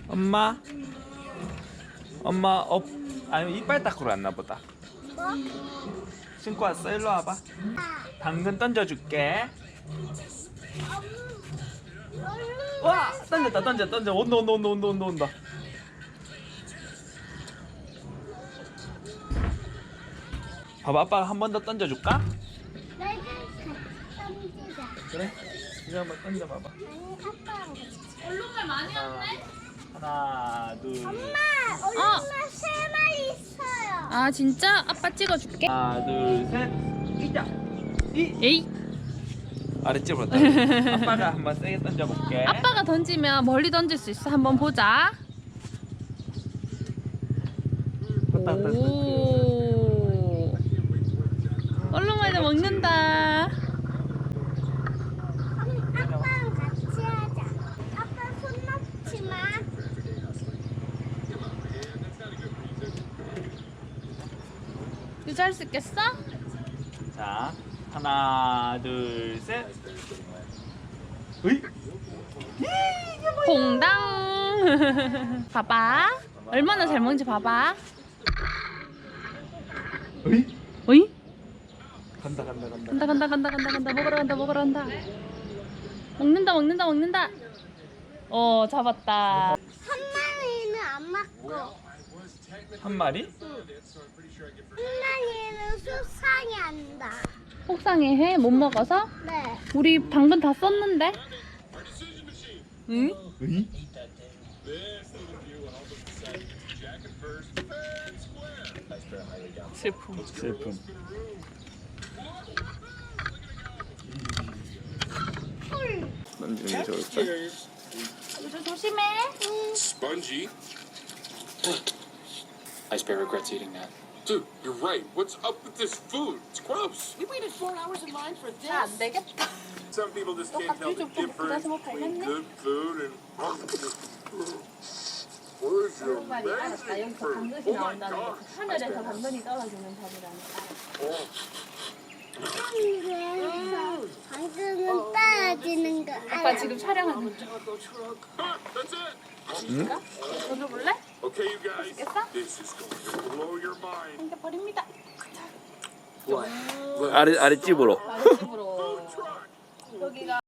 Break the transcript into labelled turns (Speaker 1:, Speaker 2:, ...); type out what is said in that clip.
Speaker 1: 엄마 아니 이빨 닦으러 왔나 보다.
Speaker 2: 뭐?
Speaker 1: 신고 왔어? 일로 와봐. 당근 던져줄게. 와 던져 온다. 봐봐, 아빠가 한 번 더 던져줄까?
Speaker 2: 내가 던지자.
Speaker 1: 그래? 이거 한번 던져봐봐.
Speaker 2: 아니 아빠랑 같이.
Speaker 3: 얼룩말 많이 왔네?
Speaker 1: 하나 둘
Speaker 2: 엄마 얼룩말 3마리 있어요.
Speaker 3: 아 진짜? 아빠 찍어줄게.
Speaker 1: 하나 둘셋 이자
Speaker 3: 에이.
Speaker 1: 아랫집으로 던져. 아빠가 한번 세게 던져볼게.
Speaker 3: 아빠가 던지면 멀리 던질 수 있어. 한번 보자. 오. 얼룩말도 먹는다.
Speaker 2: 아빠랑 같이 하자. 아빠 손 놓지 마.
Speaker 3: 유지할 수 있겠어?
Speaker 1: 자 하나 둘셋 으이
Speaker 3: 봉당. 봐봐. 얼마나 잘 먹는지 봐봐.
Speaker 1: 으이
Speaker 3: 어이?
Speaker 1: 간다
Speaker 3: 간다. 먹으러 간다. 먹는다. 어, 잡았다.
Speaker 2: 한 마리는 안 맞고
Speaker 1: 한 마리?
Speaker 2: 한 마리는 수상이 한다.
Speaker 3: 속상해 해? 못 먹어서?
Speaker 2: 네.
Speaker 3: 우리 당근 다 썼는데? 응?
Speaker 1: 으이 슬픔 던지는 게 좋을까?
Speaker 3: 유주 조심해.
Speaker 4: Spongy.
Speaker 5: Ice Bear regrets eating that.
Speaker 4: Dude, you're right. What's up with this food? It's gross.
Speaker 6: We waited 4 hours in line for this.
Speaker 3: 안 되겠다.
Speaker 4: Some people just can't tell the difference between good food and. Where's your magic fruit? Oh my god.
Speaker 3: 하늘에서 당근이 떨어지는 법이라니까.
Speaker 2: 하늘에서 당근은 떨어지는 거
Speaker 3: 아빠
Speaker 2: 알아.
Speaker 3: 지금 촬영하는 중.
Speaker 4: That's it.
Speaker 3: 던져볼래?
Speaker 4: Okay, you guys.
Speaker 3: 맛있겠어?
Speaker 4: This is going to blow your mind.
Speaker 3: 던져버립니다.
Speaker 1: 아랫집으로
Speaker 3: 아랫집으로. 여기가